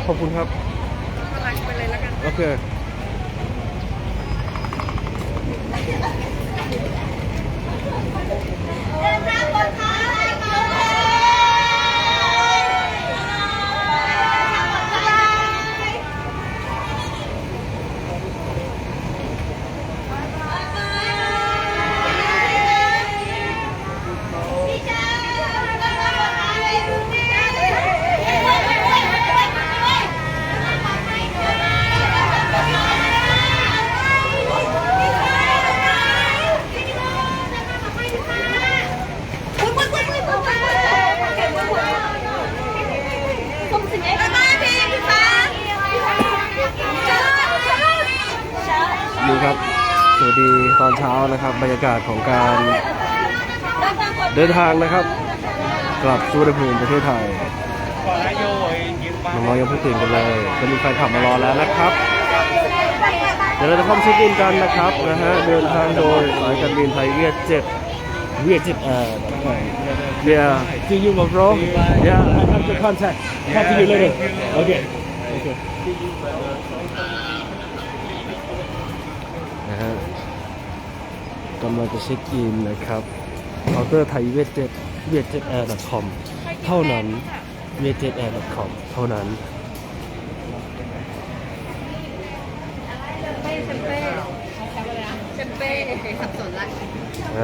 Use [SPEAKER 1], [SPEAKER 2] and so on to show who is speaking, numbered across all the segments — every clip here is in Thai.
[SPEAKER 1] ขอบคุณครับ
[SPEAKER 2] ไปเลยแล้วกัน
[SPEAKER 1] โอเค
[SPEAKER 2] เดินทางปลอดภัย
[SPEAKER 1] ดีครับสวัสดีตอนเช้านะครับบรรยากาศของการเดินทางนะครับกลับสุวรรณภูมิประเทศไทยน้องๆยังเพิ่งตื่นกันเลยจะมีแฟนขับมารอแล้วนะครับเดี๋ยวเราจะเข้าเช็คอินกันนะครับเดินทางโดยสายการบินไทยเวียดเจ็ตแอร์Yeah see you bro Yeah I have to contact talk to you later Okayนะฮะกำลังจะเช็คอินนะครับเคาน์เตอร์ไทยเวียดเจ็ตแอร์ .com เท่านั้นเวียดเจ็ตแอร์ .com เท่านั้น
[SPEAKER 2] เชมเป้สับสนละ
[SPEAKER 1] นะ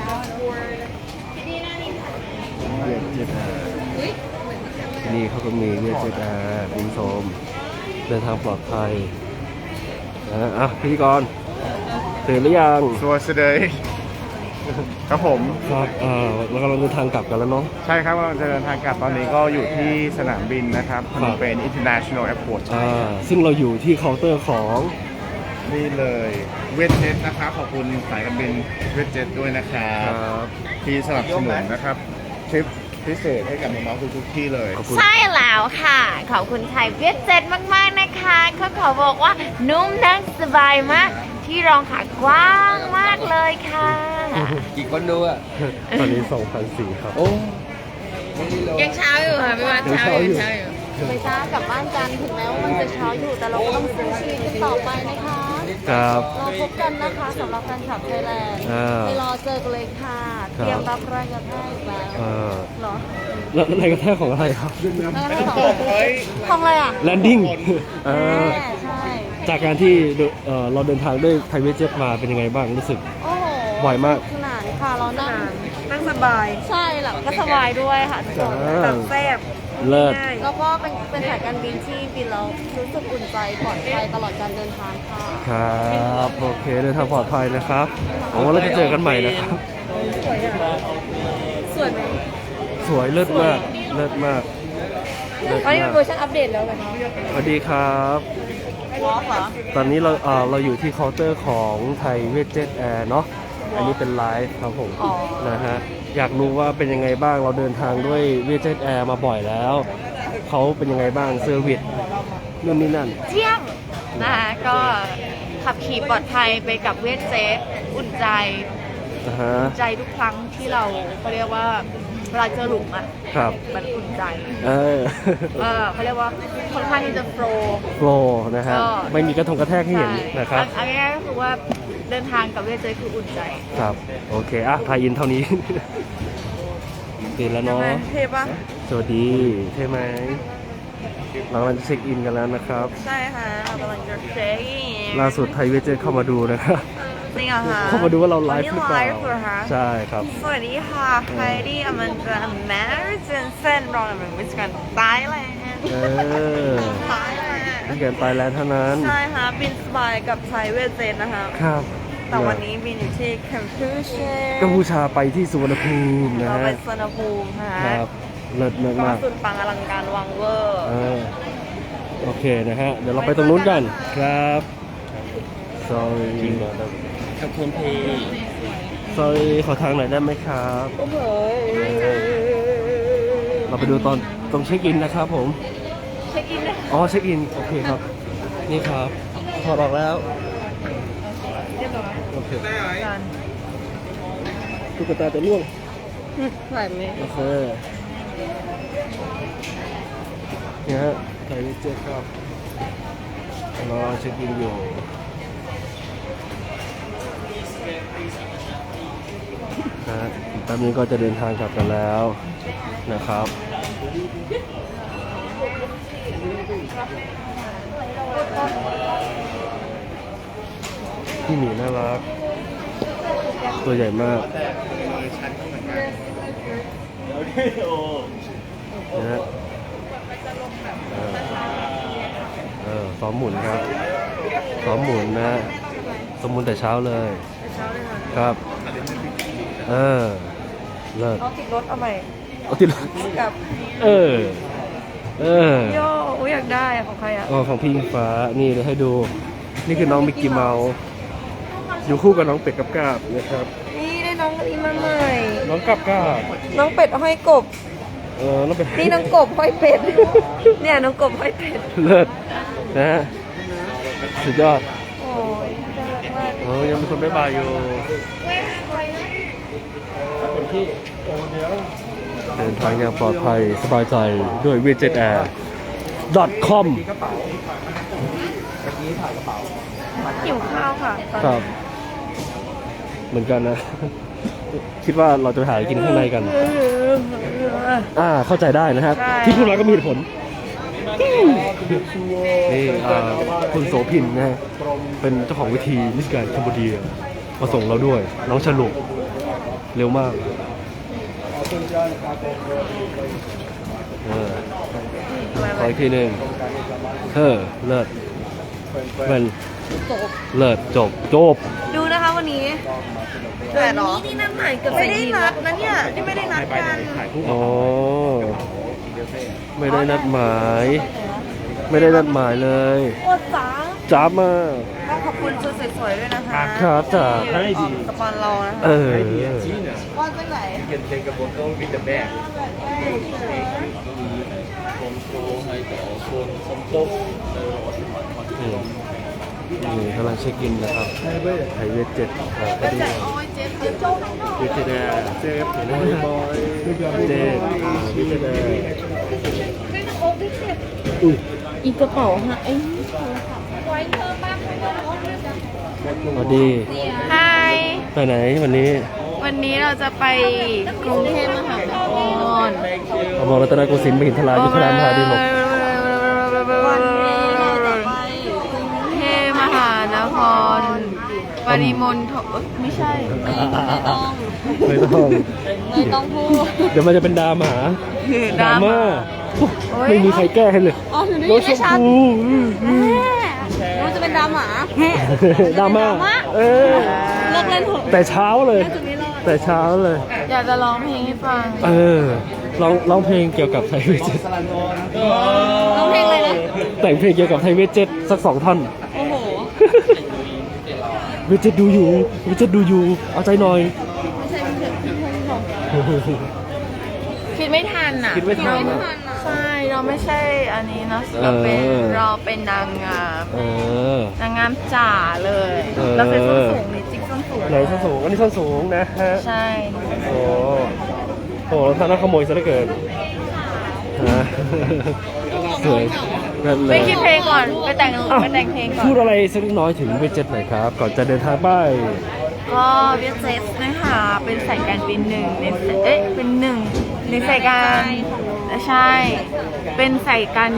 [SPEAKER 1] เวียดเจ็ตแอร์ที่นี่เขาก็มีเวียดเจ็ตแอร์คุณผู้ชมเดินทางปลอดภัยนะพิธีกรตื่นหรือยัง
[SPEAKER 3] สวัสดีครับผม
[SPEAKER 1] ครับเรากำลังเดินทางกลับกันแล้วเนาะ
[SPEAKER 3] ใช่ครับกำลังจะเดินทางกลับตอนนี้ก็อยู่ที่สนามบินนะครับพนมเปญ International Airport
[SPEAKER 1] ซึ่งเราอยู่ที่เคาน์เตอร์ของ
[SPEAKER 3] นี่เลยเวทเจ็ตนะครับขอบคุณสายการบินเวทเจ็ตด้วยนะครับที่สนับสนุนนะครับทริปพิเศษให้กับน้องๆทุกที่เลย
[SPEAKER 2] ใช่แล้วค่ะขอบคุณไทยเวียดเจ็ตมากๆนะคะเขาขอบอกว่านุ่มนั่งสบายมากที่รองขากว้างมากเลยค่ะ
[SPEAKER 4] กี่คนดูอ่ะ
[SPEAKER 1] ตอนนี้ 2,400 ครับ
[SPEAKER 4] โอ้
[SPEAKER 2] ยังเช้าอยู่ค่ะพี่วันเช้าอยู่
[SPEAKER 5] ไม่ช้ากลับบ้านกันถึงแม้ว่ามันจะเช้าอยู่แต่เราก็ต้องสู้ชีวิตกันต่อไปนะคะ
[SPEAKER 1] ครับ
[SPEAKER 5] เราพบกันนะคะสำหรับแฟนคลับไทยแลนด์ไปรอเจอกันเลยค่ะเตรียมรับแรงกระแทกแล้วเหรอ
[SPEAKER 1] แล้วแรงกระแทกของอะไรครับ
[SPEAKER 5] ของอะไรอ่ะ
[SPEAKER 1] แลนดิ้ง
[SPEAKER 5] ใช่
[SPEAKER 1] จากการที่เราเดินทางด้วยไทยเวทเจ็ตมาเป็นยังไงบ้างรู้สึก
[SPEAKER 5] โอ้โห
[SPEAKER 1] บ่อยมาก
[SPEAKER 5] ขนาดค่ะเรา
[SPEAKER 2] นั่งสบาย
[SPEAKER 5] ใช่หลับก็สบายด้วยค่ะทุกคน
[SPEAKER 2] แบบแซ่บ
[SPEAKER 1] เลิศ
[SPEAKER 5] แล้วก็เป็นสายการบินที่บินแล้วรู้สึกอุ่นใจปลอดภัยตลอดการเดินทางค่ะ
[SPEAKER 1] ครับโอเคเดินทางปลอดภัยนะครับโอ้เราจะเจอกันใหม่นะครับ
[SPEAKER 5] สวยไหม
[SPEAKER 1] สวยเลิศมากเลิศมาก
[SPEAKER 5] อันนี้เป็นเวอร์ชันอัปเดตแล้วกัน
[SPEAKER 1] สวัสดีครับตอนนี้เราอยู่ที่เคาน์เตอร์ของไทยเวทเจ็ตแอร์เนาะอันนี้เป็นไลฟ์ครับผมนะฮะอยากรู้ว่าเป็นยังไงบ้างเราเดินทางด้วยเวทเจ็ตแอร์มาบ่อยแล้วเขาเป็นยังไงบ้างเซอร์วิสนู่นนี่นั่น
[SPEAKER 2] เยี่ยมนะคะก็ขับขี่ปลอดภัยไปกับเวทเจ็ตอุ่นใจใจทุกครั้งที่เราเรียกว่าเวลาเจอหลุมอ่ะ
[SPEAKER 1] ครับ
[SPEAKER 2] มันอุ่นใจเขาเรียกว่าค่อนข้างที่จะโฟ
[SPEAKER 1] ล์นะฮะไม่มีกระทงกระแทกให้เห็นนะครับ
[SPEAKER 2] อันนี้ก็คือว่าเดินทางกับเวทเจ็ตคืออุ่นใจ
[SPEAKER 1] ครับโอเคไทยอินเท่านี้ตื่นแล้วเนาะ
[SPEAKER 2] เท่ปะ
[SPEAKER 1] สวัสดีเท่ไหมเรากำลังเช็คอินกันแล้วนะครับ
[SPEAKER 2] ใช่ค่ะเรากำลังจะเช็คอิน
[SPEAKER 1] ล่าสุดไทยเวทเจ็ตเข้ามาดูนะครับ
[SPEAKER 2] จริงเหรอคะ
[SPEAKER 1] เข้ามาดูว่าเราไลฟ์หรือเปล่าใช่ครับ
[SPEAKER 2] สวัสดีค่ะไฮดี้อมันจะแมร์เจนเซนรองเป็นวิสกันไทยแลนด์
[SPEAKER 1] นี่เกินไทยแลนด์เท่านั้น
[SPEAKER 2] ใช่ค่ะบินสบายกับไทยเวทเจ็ตนะคะ
[SPEAKER 1] ครับ
[SPEAKER 2] แต่วันนี้บินอยู่ที่
[SPEAKER 1] กัมพูชาไปที่สุวรรณภูมินะฮะ
[SPEAKER 2] ไปสุวรรณภูมิ
[SPEAKER 1] ครับเลิศมาก
[SPEAKER 2] สุดปังอลังการวังเวอร์
[SPEAKER 1] โอเคนะฮะเดี๋ยวเราไปตรงนู้นกันครับ sorry
[SPEAKER 4] ขอบคุณพี่
[SPEAKER 1] sorry ขอทางหน่อยได้ไหมครับเราไปดูตรงเช็คอินนะครับผม
[SPEAKER 2] เช็คอิน
[SPEAKER 1] อ๋อเช็คอินโอเคครับนี่ครับถอดออกแล้วโอเคตุ๊กตาจะล่วง
[SPEAKER 5] ไหวไหม
[SPEAKER 1] โอเคเนี่ยฮะไทยเวทเจ็ตครับรอเช็คอินอยู่นะฮะอีกแป๊บนึงก็จะเดินทางกลับกันแล้วนะครับพี่หมีน่ารักตัวใหญ่มากนะฮะซ้อมหมุนครับซ้อมหมุนนะซ้อมหมุนแต่เช้าเลยครับเลิศ
[SPEAKER 2] เขาติดรถเอาใหม่
[SPEAKER 1] เอาติด
[SPEAKER 2] กับ โย่อยากได้อะของใครอะ
[SPEAKER 1] ของพี่อิงฟ้านี่เลยให้ดูนี่คือน้องมิกกี้เมาส์อยู่คู่กับน้องเป็ดกับกาบนะครับ
[SPEAKER 2] นี่ได้น้องอันนี้มาใหม่
[SPEAKER 1] น้องกาบ
[SPEAKER 2] น้องเป็ดห้อยกบ
[SPEAKER 1] น้องเป็ด
[SPEAKER 2] นี่น้องกบห้อยเป็ด เนี่ยน้องกบห้อยเป็ด
[SPEAKER 1] เลิศนะฮะสุดยอด
[SPEAKER 2] โอ้ยน่ารักมาก
[SPEAKER 1] ยังมีคนบ๊ายบายอยู่เดินทางอย่างปลอดภัยสบายใจด้วย vietjetair.com
[SPEAKER 2] หิวข้าวค่ะตอน
[SPEAKER 1] ค
[SPEAKER 2] นี้
[SPEAKER 1] รับเหมือนกันนะ คิดว่าเราจะไปหากินข้างในกัน เข้าใจได้นะฮะ
[SPEAKER 2] ใช่
[SPEAKER 1] ที่พูดมาก็มีเหตุผลนี่คุณโสภินนะฮะเป็นเจ้าของวิธีมิสแกรนด์คัมพูเดียมาส่งเราด้วย น้องฉลุเร็วมากขออีกทีหนึ่งเลิศมันเลิศจบ
[SPEAKER 2] ดูนะคะวันนี้แต่หรอนี่นัดหมายกับไม่ได้นัดนะเนี่ยที่ไม่ได้นัดกัน
[SPEAKER 1] อ๋อไม่ได้นัดหมาย ไม่ได้นัดหมายเลย
[SPEAKER 2] โอ้จ๋า
[SPEAKER 1] จ้าบมาก
[SPEAKER 2] ก็ขอบคุณชุดสวยๆด้วยนะคะ
[SPEAKER 1] ครับจ้า
[SPEAKER 2] สปอนเรานะคะ ว่าไปไหน
[SPEAKER 4] You can take a photo with the bag
[SPEAKER 1] นี่กำลังเช็คอินนะครับไทยเวทเจ็ดพอดีเวทเจ็ดแอร์เจ็บเห็นไหมบอยเจ็ดเวทเจ็ดแอร์อุ้ย
[SPEAKER 5] อีกกระเป๋าฮะไอ้
[SPEAKER 1] สวัสดี
[SPEAKER 2] ไฮ
[SPEAKER 1] ไปไหนวันนี้
[SPEAKER 2] วันนี้เราจะไปกรุงเทพมหานคร
[SPEAKER 1] อมรรัตนโกสินทร์มหินทรายุทธรามหาดีลก
[SPEAKER 2] วันนี้เราจะไปกรุงเทพมหานครปริมณฑลไม่ใช่
[SPEAKER 1] ไม่ต้องพูดเดี๋ยวมันจะเป็นดราม่าดราม่าไม่มีใครแก้ให้เลย
[SPEAKER 5] อ๋อหนูได้
[SPEAKER 1] ร
[SPEAKER 5] ยิ
[SPEAKER 1] ถ
[SPEAKER 5] น
[SPEAKER 1] ช
[SPEAKER 5] ไม่
[SPEAKER 1] ม
[SPEAKER 5] ชัด
[SPEAKER 1] พู
[SPEAKER 5] รู้จะเป็นดราม่า
[SPEAKER 1] ดราม่าเออ
[SPEAKER 5] เลิกเล่นเถอะ
[SPEAKER 1] แต่เช้าเลย แต่เช้าเลย
[SPEAKER 2] อยากจะร้องเพลงให้ฟัง
[SPEAKER 1] ร้องเพลงเกี่ยวกับไทยเวทเจ็ต
[SPEAKER 5] ร้องเพลงอะไรนะ
[SPEAKER 1] แต่งเพลงเกี่ยวกับไทยเวทเจ็ตสัก2 ท่อน
[SPEAKER 5] โอ้โห
[SPEAKER 1] เวทเจ็ตดูอยู่เวทเจ็ตดูอยู่เอาใจหน่อย
[SPEAKER 2] คิดไม่ทันอ่ะ
[SPEAKER 1] คิดไม่ทันอะ
[SPEAKER 2] ใช่เราไม่ใช่อันนี้เนาะ
[SPEAKER 1] เออ
[SPEAKER 2] เราเป็นนางงาม นางงามจ๋าเลย
[SPEAKER 1] เออ
[SPEAKER 2] เราใส่ส้นสูงนี่จิ๊กส้นสูง
[SPEAKER 1] ไหนส้นสูงอันนี้ส้นสูงนะฮะ
[SPEAKER 2] ใช่
[SPEAKER 1] โอ้โหรองเท้าน่าขโมยซะเหลือเกินฮะสวยนั่นเล
[SPEAKER 2] ไป
[SPEAKER 1] ย
[SPEAKER 2] คิดเพลงก่อนไปแต่ง
[SPEAKER 1] อ้าว
[SPEAKER 2] ไปแต่งเพลงก่อ
[SPEAKER 1] พูด
[SPEAKER 2] น
[SPEAKER 1] อะไรสักเล็กน้อยถึงเวทเจ็ตหน่อยครับ ก่อนจะเดินทางไป
[SPEAKER 2] ก็เวียดเจ็ตนะคะเป็นสายการบินหนึ่งในเป็นหนึ่งในสายการใช่ เป็นสายการ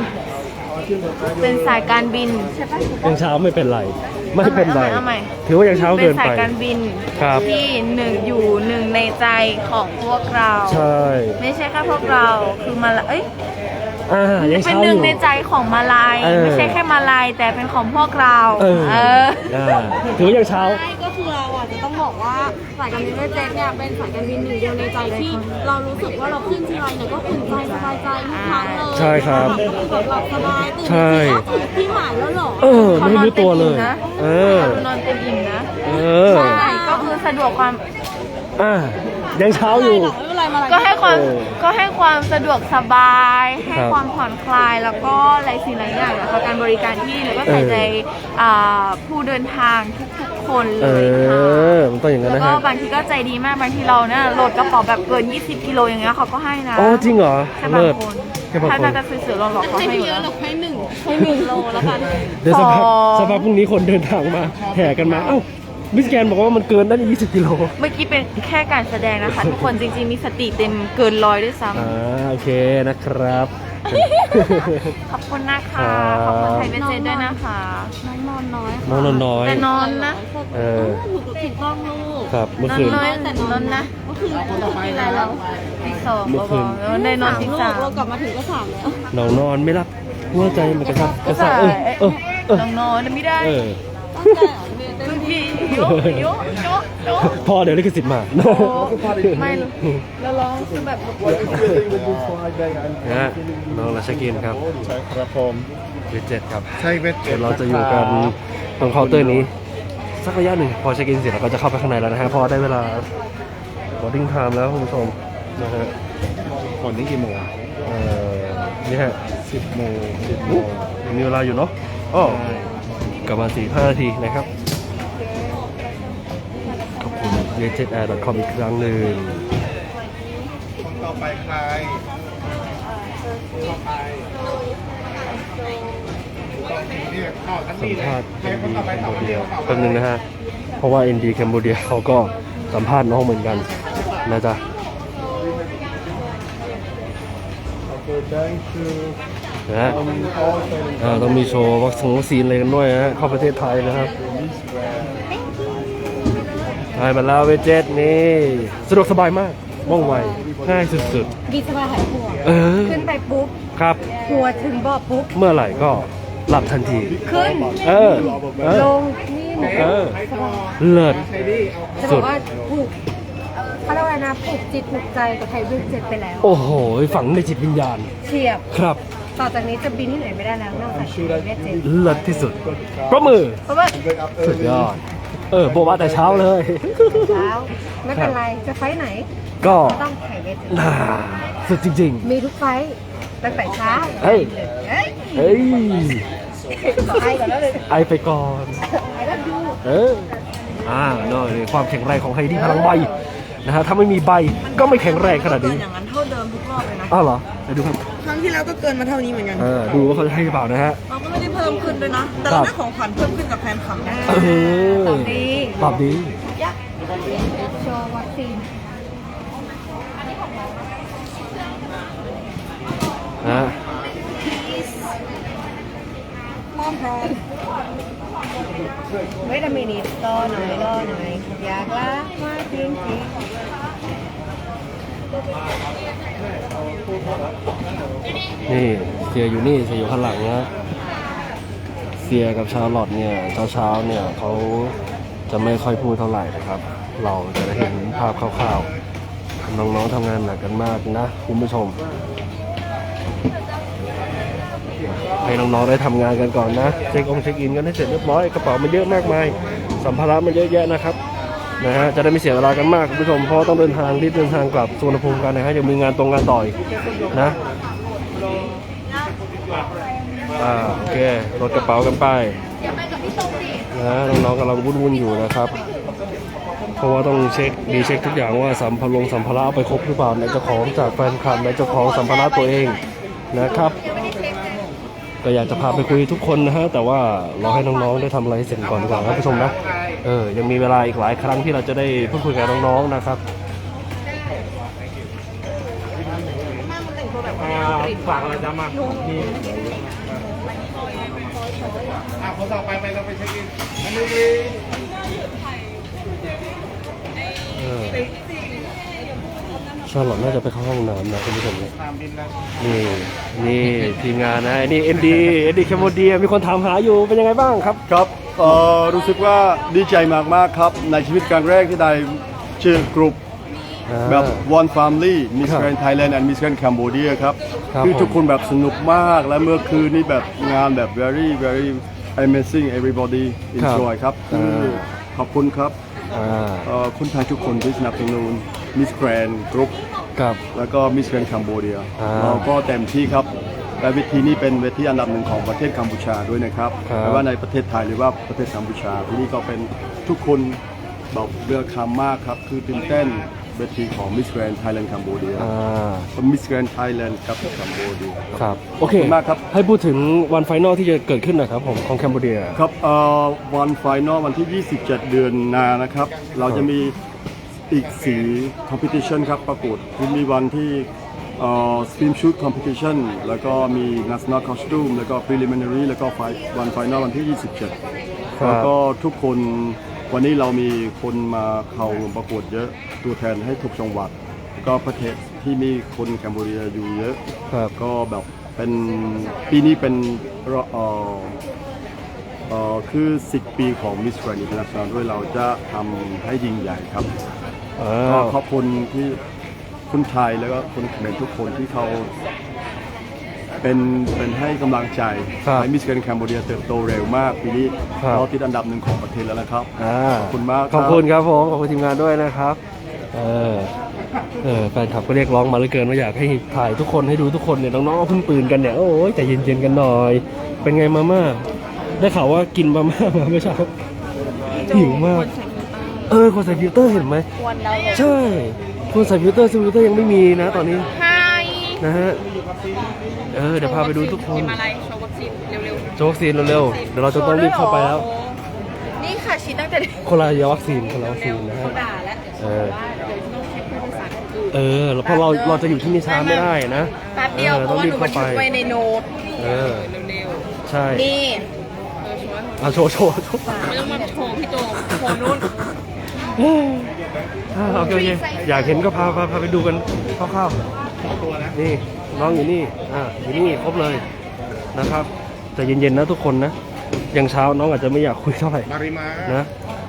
[SPEAKER 2] บินใช่ปะ
[SPEAKER 1] ยังเช้าไม่เป็นไร ไม่เป็นไร
[SPEAKER 2] เอาใหม่
[SPEAKER 1] ถือว่ายังเช้า
[SPEAKER 2] เป็
[SPEAKER 1] เกิ
[SPEAKER 2] น
[SPEAKER 1] น
[SPEAKER 2] สาย
[SPEAKER 1] ไป
[SPEAKER 2] การบิน
[SPEAKER 1] ครับ
[SPEAKER 2] ที่อยู่หนึ่งในใจของพวกเรา
[SPEAKER 1] ใช่
[SPEAKER 2] ไม่ใช่แค่พวกเราคือมาลาย
[SPEAKER 1] ยัง
[SPEAKER 2] เป็น
[SPEAKER 1] เช้า
[SPEAKER 2] ห
[SPEAKER 1] อ
[SPEAKER 2] นึ่ง
[SPEAKER 1] ยู่
[SPEAKER 2] ในใจของมาลาย ไม่ใช่แค่มาลายแต่เป็นของพวกเรา
[SPEAKER 1] ถือว่ายังเช้า
[SPEAKER 5] ใช่ก็คือเราอ่ะจะต้องบอกว่าสายการบินเวทเจ็ตเนี่ยเป็นสายการบินหนึ่งเดียวในใจที่เรารู้สึกว่าเราขึ้นทีไรเนี่ยก็อุ่นใจสบายใจทุกครั้งเลย
[SPEAKER 1] ใช่ครับ
[SPEAKER 5] ก็คือแบบหลับสบายตื่น
[SPEAKER 1] ใช่
[SPEAKER 5] มาถึงที่หมายแล้วเหรอ
[SPEAKER 1] ไม่รู้ตัวเลย
[SPEAKER 2] นอนเต็มอิ่มนะ
[SPEAKER 1] ใช่
[SPEAKER 2] ใช่ก็คือสะดวกความ
[SPEAKER 1] ยังเช้าอยู่
[SPEAKER 5] ไม่เป็นไรมาอะไร
[SPEAKER 2] ก็ให้ความ
[SPEAKER 1] เออ
[SPEAKER 2] ก็ให้ความสะดวกสบาย ให้
[SPEAKER 1] ครับ
[SPEAKER 2] ความผ่อนคลายแล้วก็หลายสิ่งหลายอย่างนะคะการบริการที่แล้วก็ใส่ใจผู้เดินทางทุกๆคนเลยค่ะ
[SPEAKER 1] มันต้องอย่างนั้น
[SPEAKER 2] แล้ว
[SPEAKER 1] นะ
[SPEAKER 2] ก็
[SPEAKER 1] ฮะ
[SPEAKER 2] บางทีก็ใจดีมากบางทีเราเนี่ยโหลดกระเป๋าแบบเกิน 20 กิโลอย่างเงี้ยเขาก็ให้นะ
[SPEAKER 1] อ๋อจริงเหรอ
[SPEAKER 2] แค่บาง
[SPEAKER 1] เลิศ
[SPEAKER 2] คน
[SPEAKER 1] แค่บางคน
[SPEAKER 2] ถ้าจะซื้อๆหลอกๆเขา
[SPEAKER 5] ให้
[SPEAKER 2] ให้
[SPEAKER 5] เย
[SPEAKER 2] เย
[SPEAKER 5] อะ
[SPEAKER 2] อะ
[SPEAKER 5] หรอกให้หนึ่งโลแล้วกัน
[SPEAKER 1] เดี๋ยวสักพัก
[SPEAKER 2] สอง
[SPEAKER 1] สักพักพรุ่งนี้คนเดินทางมาแห่กันมาเอ้ามิสแกนบอกว่ามันเกินได้20 กิโล
[SPEAKER 2] เมื่อกี้เป็นแค่การแสดงนะคะทุกคนจริงๆมีสติเต็มเกิน100ด้วยซ้
[SPEAKER 1] โอเคนะครับ
[SPEAKER 2] ำขอบคุณนะคะ ขอบคุณไทยเบนเจนด้วยนะคะ
[SPEAKER 5] น้องนอนน้อยค่ะ
[SPEAKER 1] น้องนอนน้อย
[SPEAKER 2] แต่นอนนะ
[SPEAKER 5] หนูถูกต้องลูก
[SPEAKER 1] ครับเมื่อน
[SPEAKER 2] อน
[SPEAKER 1] คืน
[SPEAKER 2] น้อยนอนนะ
[SPEAKER 5] เมื่อคืนกินอะไรเรา
[SPEAKER 2] ตีสอง
[SPEAKER 1] เมื่อคืน
[SPEAKER 2] แล้วได้นอนตี
[SPEAKER 5] ลูก
[SPEAKER 2] สาม
[SPEAKER 5] เรากลับมาถึงก็3แล้ว
[SPEAKER 1] เรานอนไม่รับหัวใจมันกระซับกระ
[SPEAKER 2] ใช่
[SPEAKER 1] ซับเออ
[SPEAKER 2] น้องนอนไม่ได้
[SPEAKER 1] เออ
[SPEAKER 2] บางทีโยโยโยโย
[SPEAKER 1] พ่อเดี๋ยวลิขสิทธิ์มา
[SPEAKER 2] โอ้ไม่หรอกแล้วร้องคือแบบ
[SPEAKER 1] นะฮะน้องราชกินครับ
[SPEAKER 3] ใช่ครับผม
[SPEAKER 1] เวทเจ็ดครับ
[SPEAKER 3] ใช่เวทเจ็
[SPEAKER 1] เดี๋
[SPEAKER 3] ด
[SPEAKER 1] ยวเราจะอยู่กันตรงเคาน์เตอร์นี้ สักระยะหนึ่งพอเช็คอินเสร็จเราก็จะเข้าไปข้างในแล้วนะฮะเพอได้เวลา boarding time แล้วคุณผู้ชมนะฮะ
[SPEAKER 3] คนนี้กี่โมง
[SPEAKER 1] นี่ฮะ
[SPEAKER 3] 10 โมง
[SPEAKER 1] ยังมีเวลาอยู่เนาะอ้อกลับมา4-5 นาทีนะครับ ขอบคุณ vietjetair.com อีกครั้งหนึ่ง
[SPEAKER 3] คนต่อไปใครต่อไปเนี่ยเข้าทั้ง
[SPEAKER 1] สั
[SPEAKER 3] นี้
[SPEAKER 1] ม
[SPEAKER 3] เลย
[SPEAKER 1] ภาษณ์
[SPEAKER 3] ใครคน
[SPEAKER 1] ND
[SPEAKER 3] ต่อไป
[SPEAKER 1] แคม
[SPEAKER 3] ต่อ
[SPEAKER 1] โบ
[SPEAKER 3] ไป
[SPEAKER 1] เดีย
[SPEAKER 3] ต่อไป
[SPEAKER 1] แป๊บนึงนะฮะ เพราะว่า ND แคมโบเดียเขาก็สัมภาษณ์น้องเหมือนกันนะจ๊ะนะฮะต้องมีโชว์วัคซีนอะไรกันด้วยนะฮะเข้าประเทศไทยนะครับได้มาแล้วเวจเจ็ตนี่สะดวกสบายมากว่องไวง่ายสุด
[SPEAKER 5] ดีสบายหายห่วง
[SPEAKER 1] ๆ
[SPEAKER 5] ขึ้นไปปุ๊บ
[SPEAKER 1] ครับ
[SPEAKER 5] หัวถึงบ่อปุ๊บ
[SPEAKER 1] เมื่อไหร่ก็หลับทันที
[SPEAKER 5] ขึ้น ลงนี่หนู
[SPEAKER 1] เลิศ
[SPEAKER 5] จะบอกว่าผูกเขาเรียกว่านะผูกจิตผูกใจกับไทยเวทเจ็ตไปแล้ว
[SPEAKER 1] โอ้โหฝังในจิตวิญญาณ
[SPEAKER 5] เฉียบ
[SPEAKER 1] ครับ
[SPEAKER 5] ต่อจากนี้จะบินที่ไหนไม่ได้แล้วนอกจากไทยเวทเจ็ต
[SPEAKER 1] เลิศที่สุดประมือ
[SPEAKER 2] เพราะว่า
[SPEAKER 1] สุดยอดโบว่าแต่เช้าเลย
[SPEAKER 5] เช้าไม่เป็นไรจะไฟท์ไหน
[SPEAKER 1] ก็
[SPEAKER 5] ต้องไทยเวทเจ็ต
[SPEAKER 1] น่าสุดจริง
[SPEAKER 5] มีทุกไฟท์ตั้งแต่เช้า
[SPEAKER 1] เฮ้ย
[SPEAKER 5] เฮ้ย
[SPEAKER 1] ๆ เฮ้ย
[SPEAKER 5] ไอก่อนแล้วเลย
[SPEAKER 1] ไอไปก่อน
[SPEAKER 5] ไอแล้วดู
[SPEAKER 1] เนาะนี่ความแข็งแรงของไฮดี้พลังใบนะฮะถ้าไม่มีใบก็ไม่แข็งแรงขนาดนี้
[SPEAKER 6] อย่างนั้นเท่าเดิมทุกรอบเลยนะ
[SPEAKER 1] อ้าวเหรอไปดูครับ
[SPEAKER 6] ครั้งที่แล้วก็เกินมาเท่านี้เหมือนกัน
[SPEAKER 1] ดูว่าเขาจะให้หรือเปล่านะฮะ
[SPEAKER 6] เราก็ไม่ได้เพิ่มขึ้นด้วยนะ แต่เราได้ของขวัญเพิ่มขึ้นกับแฟนคลับนะ
[SPEAKER 1] เออ
[SPEAKER 5] ตอบดี
[SPEAKER 1] ตอบดี
[SPEAKER 5] โชว์วัคซีน
[SPEAKER 1] นะ
[SPEAKER 5] มอมพร้อมเวทามินิรอหน่อยอยากรักมากจริง
[SPEAKER 1] นี่เสียอยู่นี่เสียอยู่ข้างหลังนะเสียกับชาร์ลอตเนี่ยเช้าๆเนี่ยเขาจะไม่ค่อยพูดเท่าไหร่นะครับ เราจะได้เห็นภาพคร่าวๆน้องๆทำงานหนักกันมากนะคุณผู้ชมให้น้องๆได้ทำงานกันก่อนนะเช็คอินกันให้เสร็จเรียบร้อยกระเป๋ามันเยอะมากมายสัมภาระมันเยอะแยะนะครับนะฮะจะได้ไม่เสียเวลากันมากคุณผู้ชมเพราะต้องเดินทางกลับสุวรรณภูมิกันนะฮะยังมีงานต่อยนะโอเครถกระเป๋ากันไปนะน้องๆกำลังวุ่นอยู่นะครับ เพราะว่าต้องเช็คทุกอย่างว่าสัมภาระเอาไปครบหรือเปล่าในเจ้าของจากแฟนคลับในเจ้าของสัมภาระตัวเองนะครับก็อยากจะพาไปคุยทุกคนนะฮะแต่ว่าเราให้น้องๆได้ทำอะไรเสร็จก่อนดีกว่าครับผู้ชมนะยังมีเวลาอีกหลายครั้งที่เราจะได้พูดคุยกับน้องๆนะครับฝากอะไรจะมานี่
[SPEAKER 3] คนต่อไปเราไปเช็คอินอันนี้
[SPEAKER 1] ชาร์ลอตน่าจะไปเข้าห้องน้ำนะคุณผู้ชมนะ
[SPEAKER 3] ตามบินนะ
[SPEAKER 1] นี่ทีมงานนะนี่เอ็นดีแคมโบเดียมีคนถามหาอยู่เป็นยังไงบ้างครับ
[SPEAKER 7] ครับรู้สึกว่าดีใจมากๆครับในชีวิตครั้งแรกที่ได้เชื่อกลุ่มแบบ One Family Miss Grand Thailand and Miss Grand Cambodia ครับ คือทุกคนแบบสนุกมากและเมื่อคืนนี้แบบงานแบบ very amazing everybody enjoy ครับขอบคุณครับคุณไทยทุกคนที่สนับสนุน Miss Grand Group
[SPEAKER 1] ครับ
[SPEAKER 7] แล้วก็ Miss Grand Cambodia เราก็เต็มที่ครับและเวทีนี้เป็นเวทีอันดับหนึ่งของประเทศกัมพูชาด้วยนะครับไม่ว่าในประเทศไทยหรือว่าประเทศกัมพูชาที่นี่ก็เป็นทุกคนบอกเรือคำมากครับคือตื่นเต้นเวทีของ Miss Grand Thailand Cambodia เป็น Miss Grand Thailand ครับแคนเบเดีย
[SPEAKER 1] ครับโอเค
[SPEAKER 7] ขอบคุณมากครับ
[SPEAKER 1] ให้พูดถึงวันไฟนอลที่จะเกิดขึ้นหน่อยครับผมของแคนเบเดีย
[SPEAKER 7] ครับวันไฟนอลวันที่ 27 เดือนหน้านะครับ เราจะมีอีก4 competition ครับประกวดคือมีวันที่swim shoot competition แล้วก็มี national costume แล้วก็ preliminary แล้วก็วันไฟนอลวันที่ 27 แล้วก็ทุกคนวันนี้เรามีคนมาเข้าประกวดเยอะตัวแทนให้ทุกจังหวัดก็ประเทศที่มีคนแคนเบเดียอยู่เยอะ
[SPEAKER 1] ครับ
[SPEAKER 7] ก็แบบเป็นปีนี้เป็นคือ 10 ปีของ Miss Grand International ด้วยเราจะทำให้ยิ่งใหญ่ครับก็ขอบคุณที่คนไทยแล้วก็คนเขมรทุกคนที่เขาเป็นให้กำลังใจให้ Miss Grand Cambodia เติบโตเร็วมากปีนี้เราติดอันดับ1ของประเทศแล้วนะครับขอบคุณมาก
[SPEAKER 1] ขอบคุณครับผมขอบคุณทีมงานด้วยนะครับแฟนคลับก็เรียกร้องมาเหลือเกินว่าอยากให้ถ่ายทุกคนให้ดูทุกคนเนี่ยน้องๆเพิ่งตื่นกันเนี่ยโอ้ยใจเย็นๆกันหน่อยเป็นไงมาม่าได้ข่าวว่ากินมาม่ามาเมื่อเช้าหิวมากคนใส่ฟิลเตอร์เห็นไหมใช่คนใส่ฟิลเตอร์ยังไม่มีนะตอนนี้นะฮะเดี๋ยวพาไปดูทุกคนโชว์วัคซีนเร็วๆเดี๋ยวเราจะต้องรีบเข้าไปแล้ว
[SPEAKER 2] นี่ค่ะชิ้นตั้งแต่เด็ก
[SPEAKER 1] คนละวัคซีนนะฮะแล้วเพราะเราจะอยู่ที่นี่ช้าไม่ได้นะ
[SPEAKER 2] แป๊บเดียวเพราะว่าหนูบันทึกไว้ในโน้ตเร็ว
[SPEAKER 1] ใช่
[SPEAKER 2] ๆนี่
[SPEAKER 1] โชว์
[SPEAKER 2] ไม่ต้องมาโชว์พี่โจโชว์นู่น
[SPEAKER 1] โอเคอยากเห็นก็พาไปดูกันคร่าวๆนี่น้องอยู่นี่อยู่นี่ครบเลยนะครับแต่เย็นๆนะทุกคนนะยังเช้าน้องอาจจะไม่อยากคุยเท่าไหร่นะ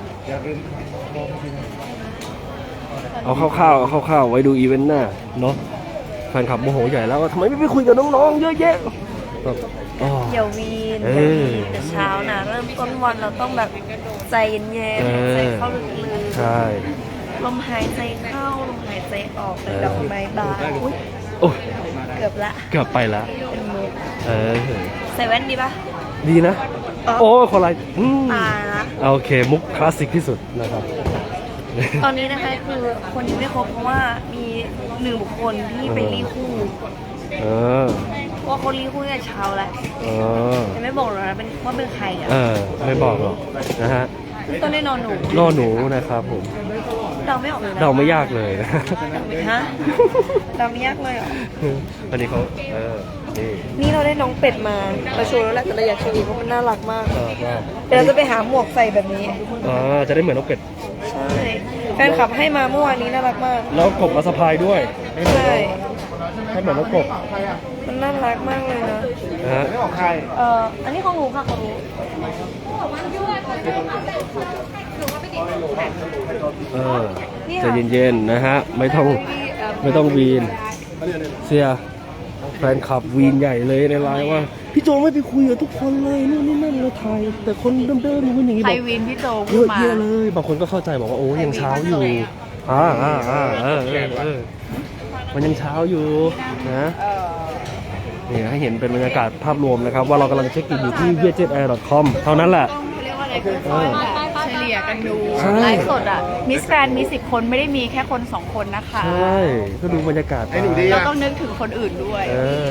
[SPEAKER 1] เอาคร่าวๆไว้ดูอีเวนต์หน้าเนาะแฟนคลับโมโหใหญ่แล้วว่าทำไมไม่ไปคุยกับน้องๆเยอะแยะ
[SPEAKER 5] เดี๋ยววีนแต่เช้านะเริ่มต้นวันเราต้องแบบใจเย็นๆใจเข้าลึกๆ
[SPEAKER 1] ใช่
[SPEAKER 5] ลมหายใจเข้าลมหายใจออกเป็นดอกไม้บานเกือบไปละเป็นมุกใส่แว่นดีปะ
[SPEAKER 1] ดีนะโอ้คนไร
[SPEAKER 5] ตาละ
[SPEAKER 1] โอเคมุกคลาสสิกที่สุดนะครับ
[SPEAKER 5] ตอนนี้นะคะคือคนยังไม่ครบเพราะว่ามี1 บุคคลที่ไปรีคู่ว่าคนรีคู่เนี่ยเช้าแล้วแต่ไม่บอกหรอกนะว่าเป็นใคร
[SPEAKER 1] ไม่บอกหรอกนะฮะ
[SPEAKER 5] ต้นได้นอน
[SPEAKER 1] หนูนะครับผม
[SPEAKER 5] เดาไม่ออกเลยนะ
[SPEAKER 1] เดาไม่ยากเลยนะ
[SPEAKER 5] ฮะเดาไม่ยากเลยเหรอ
[SPEAKER 1] วันนี้เขา
[SPEAKER 5] นี่เราได้น้องเป็ดมาโชว์แล้วแหละแต่เราอยากโชว์อีกเพราะมันน่ารักมากเดี๋ยวเราจะไปหาหมวกใส่แบบนี้
[SPEAKER 1] จะได้เหมือนน้องเป็ด
[SPEAKER 5] ใช่แฟนคลับให้มาเมื่อวานนี้น่ารักมาก
[SPEAKER 1] แล้วกบมาสะพายด้วย
[SPEAKER 5] ใช่
[SPEAKER 1] ให้เหมือนน้องกบ
[SPEAKER 5] มันน่ารักมากเลยนะ
[SPEAKER 3] ไม่ของใคร
[SPEAKER 5] อันนี้ของหนูค่ะของหนู
[SPEAKER 1] ใจเย็นๆนะฮะไม่ต้องวีนเสียแฟนคลับวีนใหญ่เลยในไลน์ว่าพี่โจไม่ไปคุยกับทุกคนเลยนู่นนี่นั่นเราถ่ายแต่คนเดิมๆนู่นอย่างนี้บอก
[SPEAKER 2] วีนพี่โจ
[SPEAKER 1] เยอะแยะเลยบางคนก็เข้าใจบอกว่าโอ้ยังเช้าอยู่มันยังเช้าอยู่นะนี่ให้เห็นเป็นบรรยากาศภาพรวมนะครับว่าเรากำลังเช็คอินอยู่ที่ vietjetair.com เท่านั้นแหละ
[SPEAKER 2] เฉลี่ยกันดูไลฟ์สดมิสแกรนมี10 คนไม่ได้มีแค่คน2 คนนะคะ
[SPEAKER 1] ใช่ก็ดูบรรยากาศ
[SPEAKER 2] เราต้องนึกถึงคนอื่นด้วย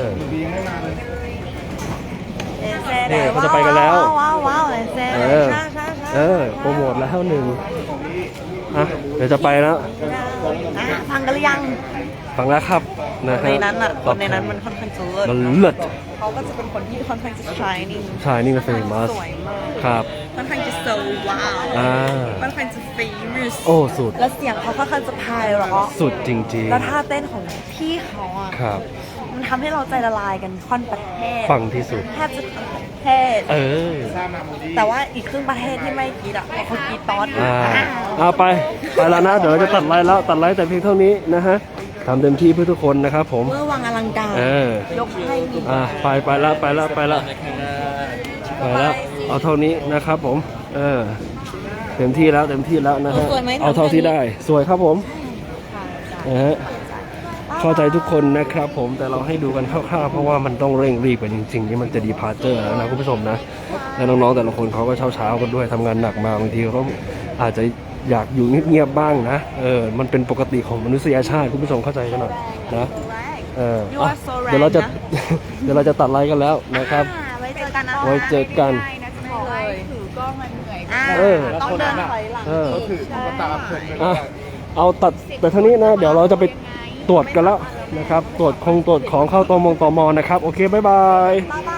[SPEAKER 1] นี่เขาจะไปกันแล้ว
[SPEAKER 5] ว้าว
[SPEAKER 1] โปรโมทแล้ว1เดี๋ยวจะไปแล้ว
[SPEAKER 5] ฟังกันหรือยัง
[SPEAKER 1] ฟังแล้วครับนะ
[SPEAKER 5] ในนั้นคนในนั้นมันค่อนข้างจะ
[SPEAKER 1] มันเลิศ
[SPEAKER 5] เขาก็จะเป็นคนที่ค่อนข้างจะ
[SPEAKER 1] shining และ famous
[SPEAKER 5] สวยมาก
[SPEAKER 1] ครับ
[SPEAKER 5] ค่อนข้างจะ so wow ค่อนข้างจะ famous
[SPEAKER 1] สุด
[SPEAKER 5] แล้วเสียงเขาค่อนข้างจะไพเราะ
[SPEAKER 1] สุดจริงๆ
[SPEAKER 5] แล้วท่าเต้นของพี่เขา
[SPEAKER 1] ครับ
[SPEAKER 5] มันทำให้เราใจละลายกันค่อนประเทศ
[SPEAKER 1] ฟังที่สุด
[SPEAKER 5] แทบจะทั้งประเทศแต่ว่าอีกครึ่งประเทศที่ไม่กีดเขากีดตอน
[SPEAKER 1] ไปแล้วนะเดี๋ยวจะตัดไลน์แต่เพียงเท่านี้นะฮะทำเต็มที่เพื่อทุกคนนะครับผม
[SPEAKER 5] เมื่อวังอลังการยกให้
[SPEAKER 1] ไปแล้วเอาเท่านี้นะครับผมเต็มที่แล้วนะฮะเอาเท่าที่ได้สวยครับผมเข้าใจทุกคนนะครับผมแต่เราให้ดูกันคร่าวๆเพราะว่ามันต้องเร่งรีบกันจริงๆที่มันจะดีพาร์เจอร์แล้วนะคุณผู้ชมนะแล้วน้องๆแต่ละคนเขาก็เช้ากันด้วยทำงานหนักมาบางทีเขาอาจจะอยากอยู่เงียบๆบ้างนะมันเป็นปกติของมนุษยชาติคุณผู้ชมเข้าใจกันหน่อยนะ
[SPEAKER 6] You are so right
[SPEAKER 1] เดี๋ยวเราจะ
[SPEAKER 6] นะ
[SPEAKER 1] เดี๋ยวเราจะตัดไลฟ์กันแล้วนะครับ
[SPEAKER 6] ไว้เจอกันนะ
[SPEAKER 1] ไว้เจอกัน
[SPEAKER 2] ถือกล้องมันเหนื่อย
[SPEAKER 6] ต้องเดินถอยหลัง
[SPEAKER 3] ก็คือก็ตามเพื่อน
[SPEAKER 1] เอาตัดไปทางนี้นะเดี๋ยวเราจะไปตรวจกันแล้วนะครับตรวจของเข้าตมนะครับโอเคบ๊ายบาย
[SPEAKER 6] บ๊ายบ